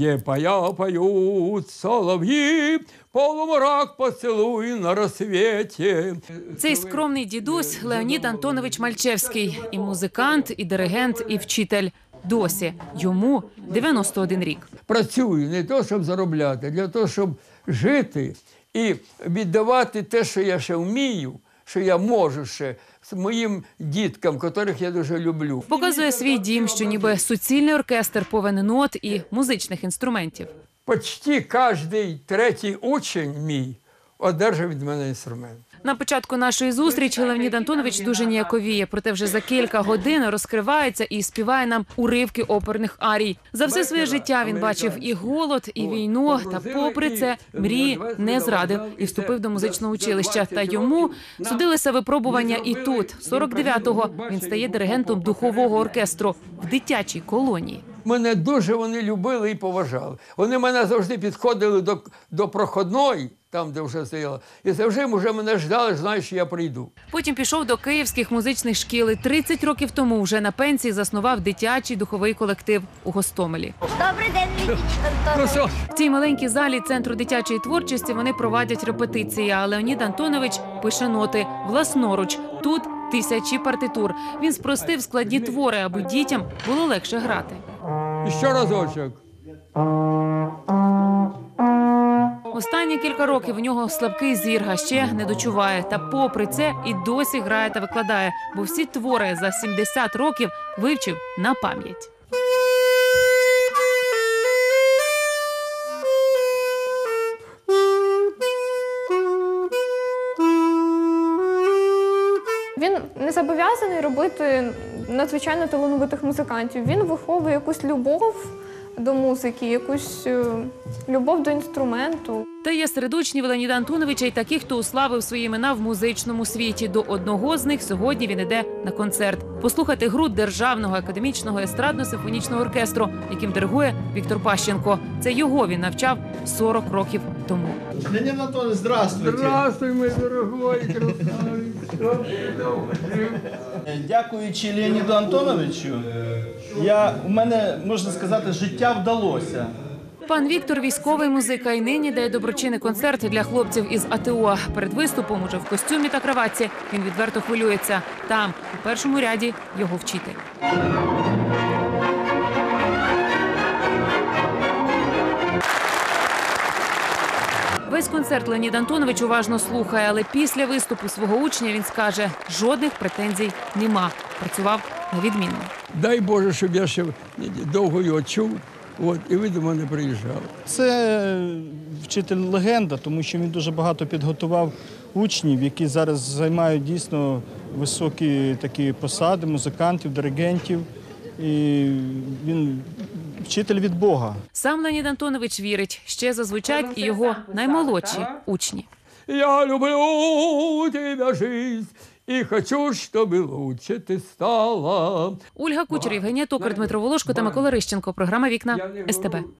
где поют солов'ї, полумрак поцілуй на розсвіті. Цей скромний дідусь Леонід Антонович Мальчевський. І музикант, і диригент, і вчитель. Досі. Йому 91 рік. Працюю не то, щоб заробляти, а для того, щоб жити і віддавати те, що я ще вмію, що я можу ще моїм діткам, котрих я дуже люблю. Показує свій дім, що ніби суцільний оркестр повен нот і музичних інструментів. Почти кожен третій учень мій одержав від мене інструмент. На початку нашої зустрічі Леонід Антонович дуже ніяковіє, проте вже за кілька годин розкривається і співає нам уривки оперних арій. За все своє життя він бачив і голод, і війну, та попри це мрії не зрадив і вступив до музичного училища. Та йому судилися випробування і тут. 49-го він стає диригентом духового оркестру в дитячій колонії. Мене дуже вони любили і поважали. Вони мене завжди підходили до проходної, там, де вже стояла, і завжди вже мене ждали, знають, що я прийду. Потім пішов до київських музичних шкіл і 30 років тому вже на пенсії заснував дитячий духовий колектив у Гостомелі. Добрий день, Леонід Антонович. В цій маленькій залі Центру дитячої творчості вони проводять репетиції, а Леонід Антонович пише ноти власноруч. Тут тисячі партитур. Він спростив складні твори, аби дітям було легше грати. І ще разочок. Останні кілька років у нього слабкий зір, а ще не дочуває. Та попри це і досі грає та викладає, бо всі твори за 70 років вивчив на пам'ять. Він не зобов'язаний робити надзвичайно талановитих музикантів. Він виховує якусь любов до музики, якусь любов до інструменту. Та є серед учнів Леоніда Антоновича і такі, хто уславив свої імена в музичному світі. До одного з них сьогодні він іде на концерт. Послухати гру Державного академічного естрадно-симфонічного оркестру, яким диригує Віктор Пащенко. Це його він навчав 40 років тому. Леонид Антонович, здравствуйте. Здравствуй, мій дорогой красавець. Дякуючи Леоніду Антоновичу, у мене, можна сказати, життя вдалося. Пан Віктор – військовий музика і нині дає доброчинний концерт для хлопців із АТО. Перед виступом, уже в костюмі та краватці, він відверто хвилюється. Там, у першому ряді, його вчитель. Весь концерт Леонід Антонович уважно слухає, але після виступу свого учня він скаже – жодних претензій нема. Працював на відмінно. Дай Боже, щоб я ще довго його чув, і ви до мене приїжджали. Це вчитель-легенда, тому що він дуже багато підготував учнів, які зараз займають дійсно високі такі посади, музикантів, диригентів. І він вчитель від Бога. Сам Леонід Антонович вірить, ще зазвучать і його наймолодші учні. Я люблю тебе, жизнь, і хочу, щоб лучше ти стала. Ольга Кучер, Євгенія Токар, Дмитро Волошко та Микола Рищенко. Програма «Вікна» СТБ.